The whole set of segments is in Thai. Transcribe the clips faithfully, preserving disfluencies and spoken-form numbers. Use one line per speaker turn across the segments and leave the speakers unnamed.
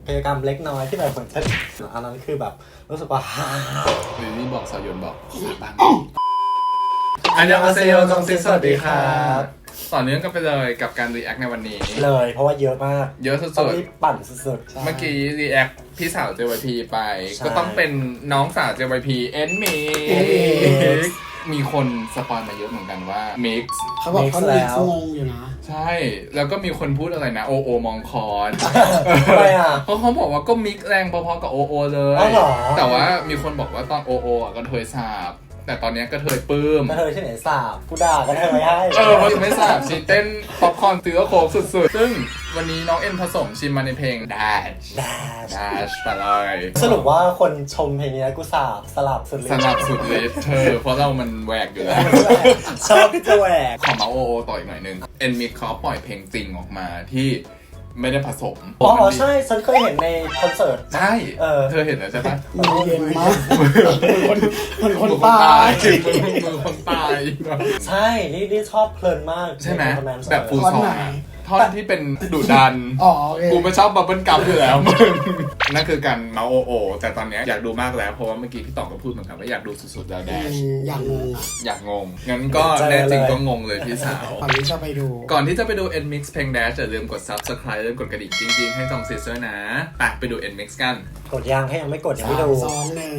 กิจกรรมเล็กน้อยที่แบบเหมือนจะอันนั้นคือแบบรู้สึกว่าฮ่า
หรือนี่บอกสายยนบอกบางอันยองอาเซโยจงซิสวัสดีครับต่อเนื่องกันไปเลยกับการรีแอคในวันนี้
เลยเพราะว่าเยอะมาก
เยอะสุดๆ
ต้องรีบปั่นสุด
ๆเมื่อกี้รีแอคพี่สาว เจ วาย พี ไปก็ต้องเป็นน้องสาว เจ วาย พี เอ็นมิกมีคนสปอยมาเยอะเหมือนกันว่ามิกซ์
เขาบอกเขาเลยงงอยู่นะ
ใช่แล้วก็มีคนพูดอะไรนะโอโอมองคอน
ทำไมอ่ะ
เพราะเขาบอกว่าก็มิกซ์แรงพอๆกับโอโอเลยแต่ว่ามีคนบอกว่าตอนโอโออ่ะก็เทยสาบแต่ตอนนี้ก็เทยปื้ม
ก็เทยที่ไหนสาบกูด่าก็เทยไม่ให้
เออเพราะไม่สาบชีเต้นป๊อปคอร์นตื้อโคกสุดๆซึ่งวันนี้น้องเอ็นผสมชิมมาในเพลง Dash Dash ไปเลย
สรุปว่าคนชมเพลงนี้กูสาบสลับสุดฤทธิ์
สลับสุดฤทธิ์เธอเพราะเรามันแหวกอยู่แล้ว
ชอบที่จะแหวก
ขอมาโอโอต่ออีกหน่อยนึงเอ็นมิกเขาปล่อยเพลงจริงออกมาที่ไม่ได้ผสม
อ๋อใช่ฉันเคยเห็นในคอนเสิร์ต
ใช่เออเธอเห็นแล้วใช่ปะ
มือเย็นมากคนคนคนตาย
มือคนตาย
ใช่นี่นี่ชอบเพลินมาก
ใช่ไหมแบบฟูลซองท่อนที่เป็นดุดันกูไม่ชอบบับเบิ้ลกัมอยู่แล้วมึงนั่นคือการเมาโอโอแต่ตอนนี้อยากดูมากแล้วเพราะว่าเมื่อกี้พี่ต่องก็พูดเหมือนกันว่าอยากดูสุดๆแล้วแดช
อยากงงอ่ะ
อยากงงงั้นก็แน่จริงก็งงเลยพี่สาว
ก่อนที่จะไปดู
ก่อนที่จะไปดู N Mix เพลง Dash อย่าลืมกด Subscribe ลืมกดกระดิ่งจริงๆให้จองซีเซอร์นะไปไปดู N Mix กัน
กดยังถ้ายังไม่กดยังไม่ดู
สองหนึ่ง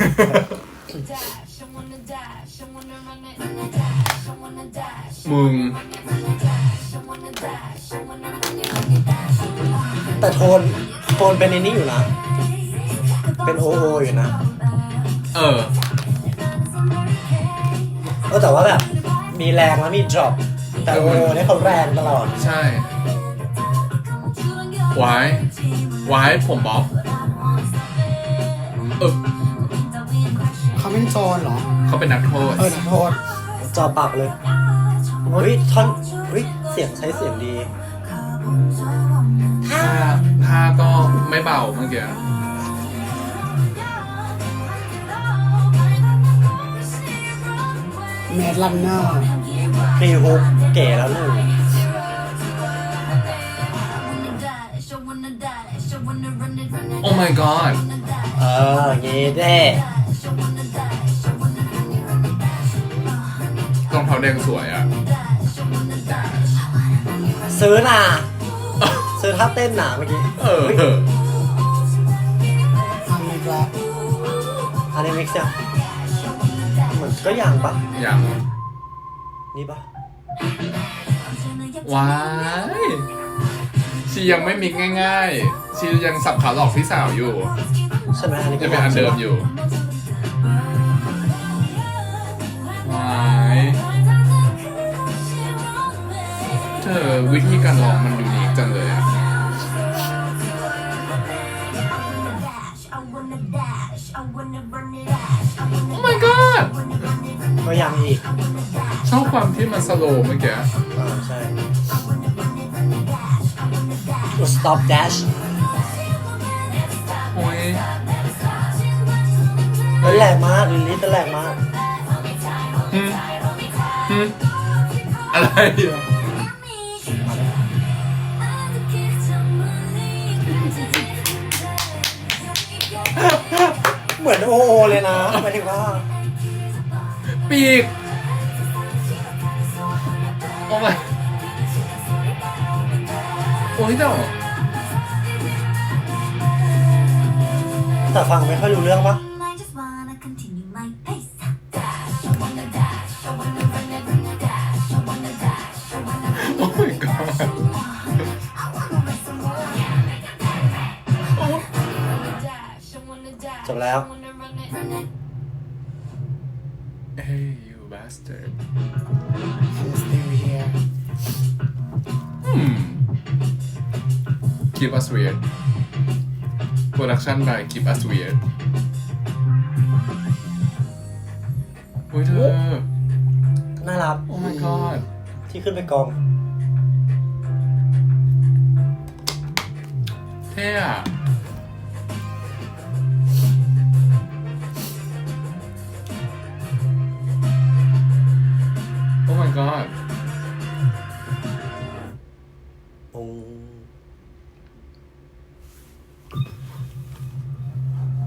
มึง
แต่โทนโทนเป็นในนี้อยู่นะเป็นโอโออยู่นะ
เออ
เออแต่ว่าแบบมีแรงแล้วมี drop แต่โอโอเนี่ยเขาแรงตลอด
ใช่ไว้ไว้ผมบ๊อบเออ
เขาเป็นโจรเหรอ
เขาเป็นนักโทษ
เออนักโทษ
จอปากเลยเฮ้ยท่อนเฮ้ยเสียงใช้เสียงดี
ท่าท่าก็ไม่เบาเมื่อกี้
เมดลันเนอร์
พรีฮุกเก๋แล้วหนึ่ง
โอ้ my god
เออเงี้เด้
รองเท้าแดงสวยอ่ะ
ซื้อน่ะซื้อท่าเต้นหนาเมื่อกี้
เออ
อันนี้ละ
อันนี้มิกซ์เนี่ยเหมือนก็อย่างปะ
อย่าง
นี่ปะ
ว้ายชียังไม่มิกง่ายๆชียังสับขาหลอกพี่สาวอยู่
ใช่ไหมอันนี้
จะเป็นอันเดิมอยู่ว้ายเธอวิธีการร้องมันยูนิคจังเลยอะ Oh my god
ก็ยังอีก
ชอบความที่มันสโลว์เมื่อกี้
อ่าใช่ stop dash
โอ้ย
แรงมากลิลลี่แรงมาก
ฮึฮึอะไรอ่ะ
เหมือนโอโอเลยนะหมายถึงว่า
ปีกโอ้ยโอ้ยเจ้า
แต่ฟังไม่ค่อยรู้เรื่องปะ
โอ้ my god
จบแล้ว
Hey you bastard
I'm still here
hmm Keep us weird Production by Keep us weird โอ้ยเธอ
น่ารัก
Oh my god
ที่ขึ้นไปกอง
เท่อะOh my god
โอ้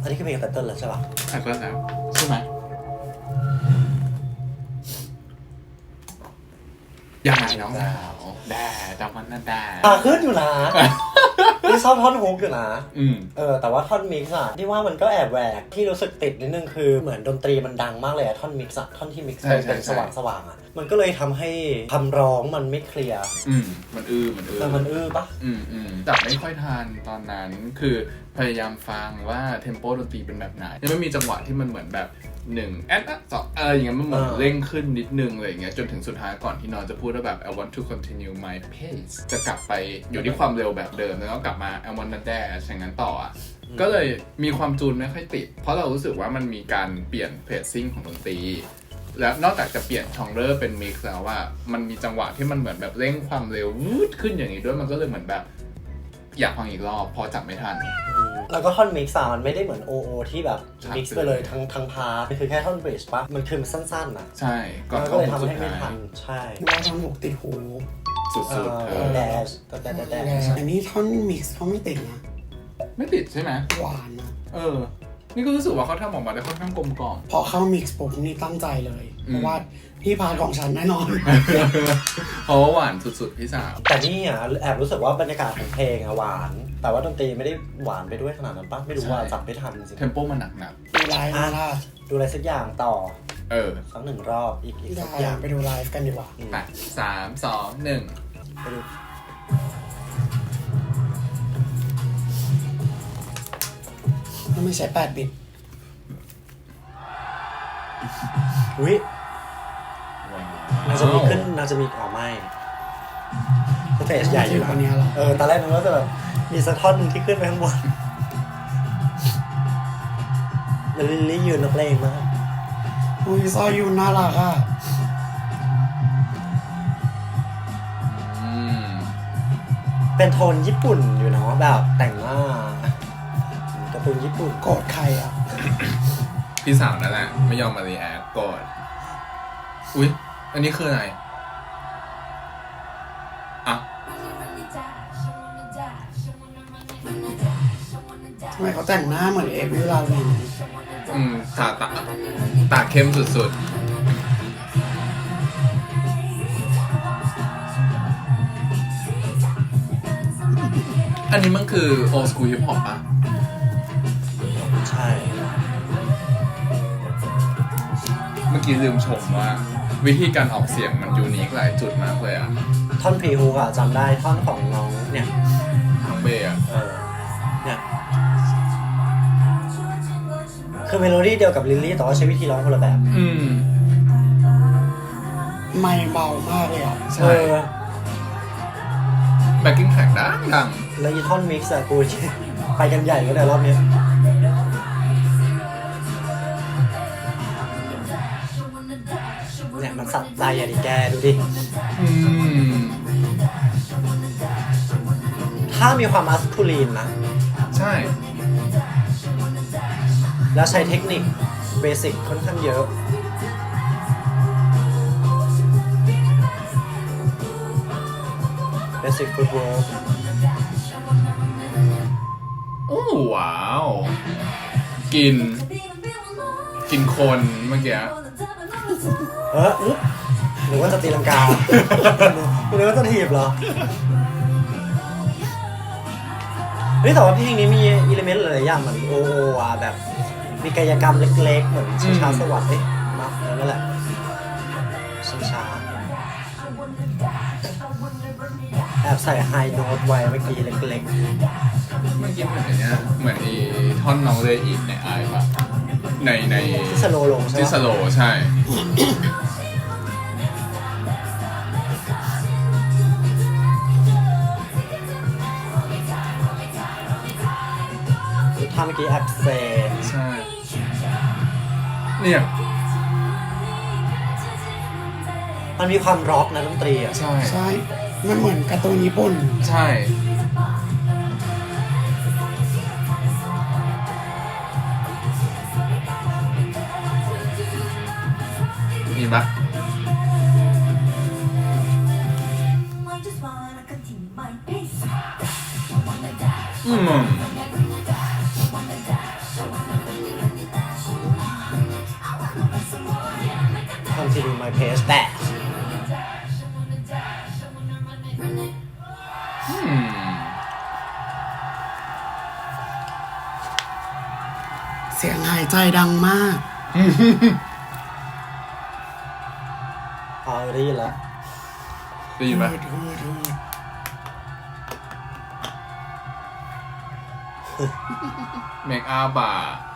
อันนี้คือเพลงไตเติ้ลแล้วใช่ป่ะ
ใช่ก็แล้วใช่ไหมยังไงน้องสาวแด่ดามันนั่นแด่
อ่ะขึ้นอยู่นะ นี่ชอบท่อนฮุกอยู่นะ
อืม
เออแต่ว่าท่อนมิกซ์อะที่ว่ามันก็แอบแหวกที่รู้สึกติดนิดนึงคือเหมือนดนตรีมันดังมากเลยอะท่อนมิกซ์อะท่อนที่มิกซ์
ใช่ใช่
เป็น
ใช่
สว่างสว่างๆอะมันก็เลยทำให้คำร้องมันไม่เคลียร์
อืมมันอื้อมันอื้อ
แต่มันอื้อปะ
อืมอืมจับไม่ค่อยทันตอนนั้นคือพยายามฟังว่าเทมโปดนตรีเป็นแบบไหนยังไม่มีจังหวะที่มันเหมือนแบบหนึ่งแอดอะสองอะไรอย่างเงี้ยมันเหมือนเร่งขึ้นนิดนึงอะไรอย่างเงี้ยจนถึงสุดท้ายก่อนที่นอนจะพูดว่าแบบ I want to continue my pace จะกลับไปอยู่ที่ความเร็วแบบเดิมแล้วก็กลับมา I want to dash อย่างนั้นต่ออ่ะก็เลยมีความจูนไม่ค่อยติดเพราะเรารู้สึกว่ามันมีการเปลี่ยนเพจซิ่งของดนตรีแล้วนอกจากจะเปลี่ยนชองเลอร์เป็นมิกซ์แล้วว่ามันมีจังหวะที่มันเหมือนแบบเร่งความเร็ววูดขึ้นอย่างนี้ด้วยมันก็เลยเหมือนแบบอยากฟังอีกรอบพอจับไม่ทัน
แล้วก็ท่อนมิกซ์อะมันไม่ได้เหมือนโอโอที่แบบ
ชัด
มิกซ์ไปเลยทั้งทั้งพาร์ทมันคือแค่ท่อนบริดจ์ปะมันคือมันสั้นๆนะ
ใช่ก่อน
มันก็
เข้า
เลย
หมด
ทำ
สุด
ให้ไม่
ท้า
ทั
ย
นใช่
นึกว่าท่อนหกติดหู
สุดๆเธ
เอ
อ
อแดชแต่แต่แต่
แต่อันนี้ท่อนมิกซ์เขาไม่ติดนะ
ไม่ติดใช่ไหม
หวานนะ
เออ นี่ก็รู้สึกว่าเขาทำออกมาได้ค่อนข้างกลมกล่อม
พอเข้ามิกซ์ปุ๊บนี่ตั้งใจเลย
อืม
เพราะว่าที่พาร์ทของฉันแน่นอน
เพราะว่าหวานสุดๆพี่สาว
แต่นี่อ่ะแอบรู้สึกว่าบรรยากาศของเพลงอะหวาน แต่ว่าดนตรีไม่ได้หวานไปด้วยขนาดนั้นปะไม่รู้ว่าจับไม่ทันจริง
เทมโปมันหนัก
ดูไลฟ์นะล่ะ
ดูอะไรสักอย่างต่อ
ๆเออ
สักหนึ่งรอบอีกอีก
ได้
สักอย่าง
ไปดูไลฟ์กันดีกว่า
อืม
ไปสามสองหนึ่ง
ไปดู
ถ้าไม่ใช่แปดบิต
อุ้ยน่าจะมีขึ้นน่าจะมีออกไม่สเตจใหญ่อยู่
อันเนี้ยเหรอ
เออตอนแรกนึกว่าจะแบบมีสักท่อนหนึ่งที่ขึ้นไปข้างบนแล้วลิลลี่ยืนนักเลงมาก
อุ้ยซอยยูน่ารักอ่ะ
อืม
เป็นโทนญี่ปุ่นอยู่เนาะแบบแต่งหน้าการ์ตูนญี่ปุ่น
โกรธใครอ่ะ
พี่สาวนั่นแหละ ไม่ยอมมารีแอคก่อนอุ๊ย อันนี้คืออะไรอ่ะ
ทำไมเขาแต่งหน้าเหมือนเอวิลลาวิน
อืมตาตาตาเข้มสุดๆ อันนี้มันคือโอสกูฮิปฮอปปะ
ใช่
เมื่อกี้ลืมชมว่า วิธีการออกเสียงมันยูนิคหลายจุดมากเลยอ่ะ
ท่อนพรีฮูกอะจำได้ท่อนของน้องเนี่ย
ทั้งเบย์อ่ะ
เออเนี่ยคือเมโลดี้เดียวกับลิลลี่แต่ว่าใช้วิธีร้องคนละแบบ
อืม
ไม่เบามากเลยอ่ะ
ใช่
เออ
แบ็กกิ้งแทร็กดังดัง
แล้วอีท่อนมิกซ์อะกู ไปกันใหญ่ก็ได้รอบเนี้ยเนี่ยมันสับใจอะดิแกดูดิ
อืม
ถ้ามีความมัสคูลีนนะ
ใช่
แล้วใช้เทคนิคเบสิกค่อนข้างเยอะ เบสิกฟุตบอล
โอ้ว้าว กิน กินคนเมื่อกี้
เอออุ๊บหรือว่าจะตีลังกา หรือว่าจะถีบเหรอ เฮ้ยแต่ว่าเพลงนี้มีอิเลเมนต์หลายๆอย่างเหมือนโอโออ่ะแบบ มีกายกรรมเล็กๆ เหมือนชิงช้าสวัสดิ์เอ๊ะมาเออนั่นแหละชิงช้าแอบใส่ไฮโน้ตไว้เมื่อกี้เล็ก
เมื่อกี้เหมือนไอ้เนี่ยเหมือนไอ้ท่อนน้องเลยอีกในไอปะในใน
ๆที่สโลว์ลงใช่
ที่
ไห
ส
ม
โลว์ใช่
ท่าเมื่อกี้แอบเซ
ใช่ เนี่ย
มันมีความร็อกนะดนตรีอ่ะ
ใช่
ใช่ มันเหมือนการ์ตูนญี่ปุ่น
ใช่มีปะอืม
Page แต่
อืม
เสียงหายใจดังมาก
พอได้ยินแล้ว
ได้ยินไหม
ฮืดฮืดฮืด
เมคอัพอ่ะ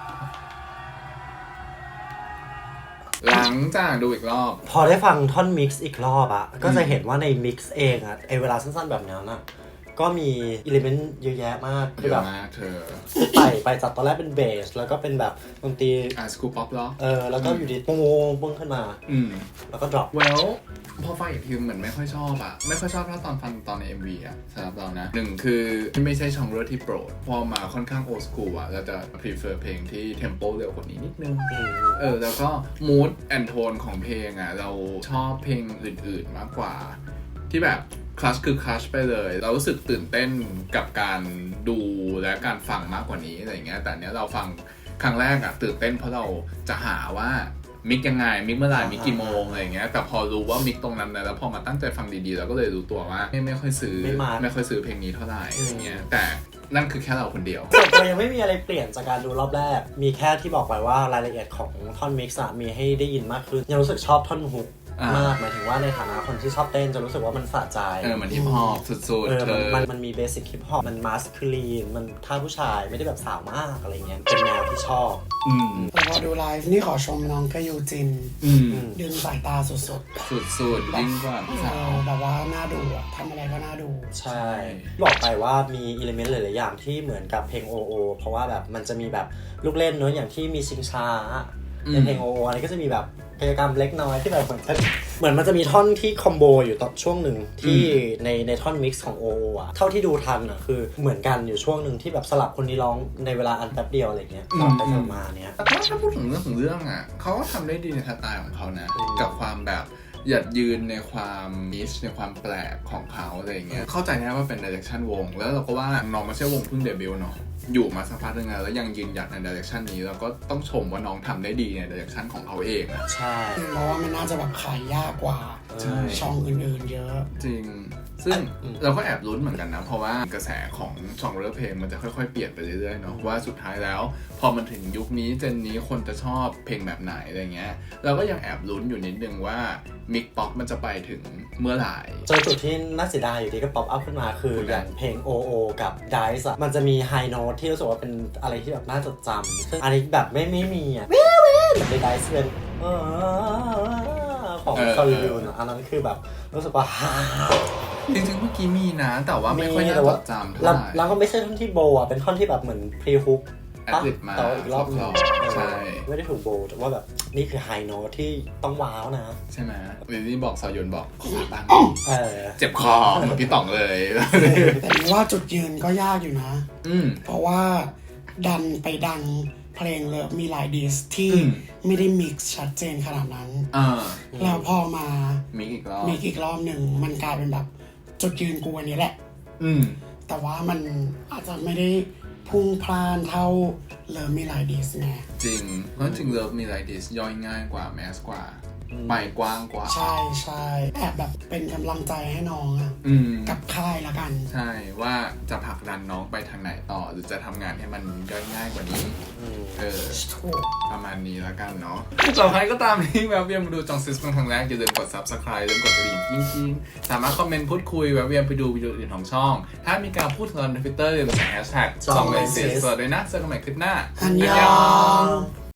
หลังจากดูอีกรอบ
พอได้ฟังท่อนมิกซ์อีกรอบอะก็จะเห็นว่าในมิกซ์เองอะไอเวลาสั้นๆแบบนั้นอะก็มีอิเลเมนต์เยอะแยะมาก
เย
คือแบ
อะ
บ
มากเธอ
ไปไปจากตอนแรกเป็นเบสแล้วก็เป็นแบบดนตรี
อ่ะสกูป๊อปเหรอ
เออแล้วก็อยู่ดีปุ้งปุ้งขึ้นมา
อืม
แล้วก็ดรอป
well พอฟังอีกทีเหมือนไม่ค่อยชอบอะไม่ค่อยชอบถ้าตอนฟังตอนใน เอ็ม วี อะสำหรับเรานะหนึ่งคือไม่ใช่ช่องเรื่องที่โปรด พอมาค่อนข้าง old school อะเราจะ prefer เพลงที่ tempo เร็วกว่านี้นิดนึง เออแล้วก็ mood and tone ของเพลงอะเราชอบเพลงอื่นๆมากกว่า ที่แบบคลัชคือคลัชไปเลย เรารู้สึกตื่นเต้นกับการดูและการฟังมากกว่านี้อะไรเงี้ยแต่เนี้ยเราฟังครั้งแรกอะตื่นเต้นเพราะเราจะหาว่ามิกยังไงมิกเมื่อไหร่มิกกี่โมงอะไรเงี้ยแต่พอรู้ว่ามิกตรงนั้นนะแล้วพอมาตั้งใจฟังดีๆเราก็เลยรู้ตัวว่าไม่ไม่ค่อยซื้อ
ไม่มา
ไม่ค่อยซื้อเพลงนี้เท่าไหร่อะไรเงี้ยแต่นั่นคือแค่เราคนเดียว
ส่วนตัวยังไม่มีอะไรเปลี่ยนจากการดูรอบแรก มีแค่ที่บอกไปว่ารายละเอียดของท่อนมิกซ์มีให้ได้ยินมากขึ้นยังรู้สึกชอบท่อนฮุก
อ่าม
มากหมายถึงว่าในฐานะคนที่ชอบเต้นจะรู้สึกว่ามันสะใจ
เออมันฮิปฮอปสุด
เออ
ๆเธ
มัน
อ
มันมันมีเบสิกฮิปฮอปมันมาสคูลีนมันท่าผู้ชายไม่ได้แบบสาวมากอะไรเงี้ยเป็นแนวที่ชอบ
อืม
แต่พอดูไลฟ์นี่ขอชมน้องกยูจิน
อืม
ดึงสายตาสุด
สุดๆยิ่งกว่า
ๆ
พี่
เอ
สาว
อแบบว่าน่าดูอะทำอะไรก็น่าดู
ใช่ บอกไปว่ามีอิเลเมนต์หลายๆอย่างที่เหมือนกับเพลง โอ โอ เพราะว่าแบบมันจะมีแบบลูกเล่นเนอะอย่างที่มีชิงช้าในเพลง โอ โอ อันนี้ก็จะมีแบบกิจกรรมเล็กน้อยที่แบบเหมือนจะเหมือนมันจะมีท่อนที่คอมโบอยู่ตอนช่วงหนึ่งที่ในในท่อนมิกซ์ของ โอ โอ อ่ะเท่าที่ดูทันอ่ะคือเหมือนกันอยู่ช่วงหนึ่งที่แบบสลับคนนี้ร้องในเวลาอันแป๊บเดียวอะไรเงี้ยสลับไปสลับมาเนี้ย
แต่ถ้าพูดถึงเรื่องของเรื่องอ่ะเขาก็ทำได้ดีในสไตล์ของเขานะ
อืม
กับความแบบหยัดยืนในความนิชในความแปลกของเขาอะไรอย่างเงี้ยเข้าใจนะว่าเป็นดิเรกชันวงแล้วเราก็ว่าน้องไม่ใช่วงเพิ่งเดบิวต์เนาะอยู่มาสักพักนึงแล้วแล้วยังยืนหยัดในดิเรกชันนี้เราก็ต้องชมว่าน้องทำได้ดีในดิเรกชันของเขาเองอะ
ใช่
เพราะว่ามันน่าจะแบบขายยากกว่า
ใช่
ช่องอื่นๆเยอะ
จริง ซึ่งเราก็แอบลุ้นเหมือนกันนะ เพราะว่ากระแสของช่องเรือเพลงมันจะค่อยๆเปลี่ยนไปเรื่อยๆเนาะว่าสุดท้ายแล้ว พอมันถึงยุคนี้เจนนี้คนจะชอบเพลงแบบไหนอะไรเงี้ยเราก็ยังแอบลุ้นอยู่นิดนึงว่ามิกป๊อปมันจะไปถึงเมื่อไหร่
เจอจุดที่น่าเสียดายอยู่ดีก็ป๊อปอัพขึ้นมาคืออย่างเพลง โอ โอ กับ Dice อะมันจะมีไฮโน้ตที่รู้สึกว่าเป็นอะไรที่แบบน่าจดจำซึ่งอันนี้แบบไม่ไม่มีอ่ะวิววิวใน Dice เป็นเออของคาริยูนอันนั้นคือแบบรู้สึกว่าฮ่า
จริงๆเมื่อกี้มีนะ แต่ว่าไม่ค่อยน่า
แต่
จ
ว่า
ดจำเท่า
แล้ว
ไหร่
แล้วก็ไม่ใช่ท่อนที่โบอ่ะเป็นท่อนที่แบบเหมือนพรีฮุก
แอดลิปมา
แต่ว่าอีกรอบหนึง
ใช่
ไม่ได้ถูกโบแต่ว่าแบบนี่คือไฮโน้ตที่ต้องว้าวนะ
ใช่ไหมวิลลี่บอกซอยนบอกขอบ้าง
เออ
เจ็บคอเหมือนพี่ต่องเลย
แต่นี่ว่าจุดยืนก็ยากอยู่นะ
อืม
เพราะว่าดันไปดังเพลงเลยมีหลายดิสที่
อืม
ไม่ได้มิกซ์ชัดเจนขนาดนั้น
อ่า
แล้วพอมา
มิกอีกรอบ
มิกอีกรอบหนึ่งมันกลายเป็นแบบจุดยืนกูอันนี้แหละ
อืม
แต่ว่ามันอาจจะไม่ได้พุ่งพล่านเท่าเลิฟมีหลายดิสไง
จริง เพราะจริงเลิฟมีไลดิสย่อยง่ายกว่าแมสกว่า ไปกว้างกว่า
ใช่ใช่แอบแบบเป็นกำลังใจให้น้องอะ
อืม
กับค่ายละกัน
ใช่ว่าจะผลักดันน้องไปทางไหนต่อ หรือจะทำงานให้มันย่อยง่ายกว่านี้ เออ
ถูก
ประมาณนี้แล้วกันเนาะต่อไปก็ตามที่แวะเวียนมาดูจองซิสเป็นครั้งแรกอย่าลืมกด ซับสไครบ์ ลืมกดกระดิ่งกิ้งกิ้งสามารถคอมเมนต์พูดคุยแวะเวียนไปดูวิดีโออื่นของช่อง ถ้ามีการพูดถึงในทวิตเตอร์อย่าลืมใส่แฮชแท็กจองเลยซิสด้วยนะเจอกันใหม่คลิปหน้า
อันยอง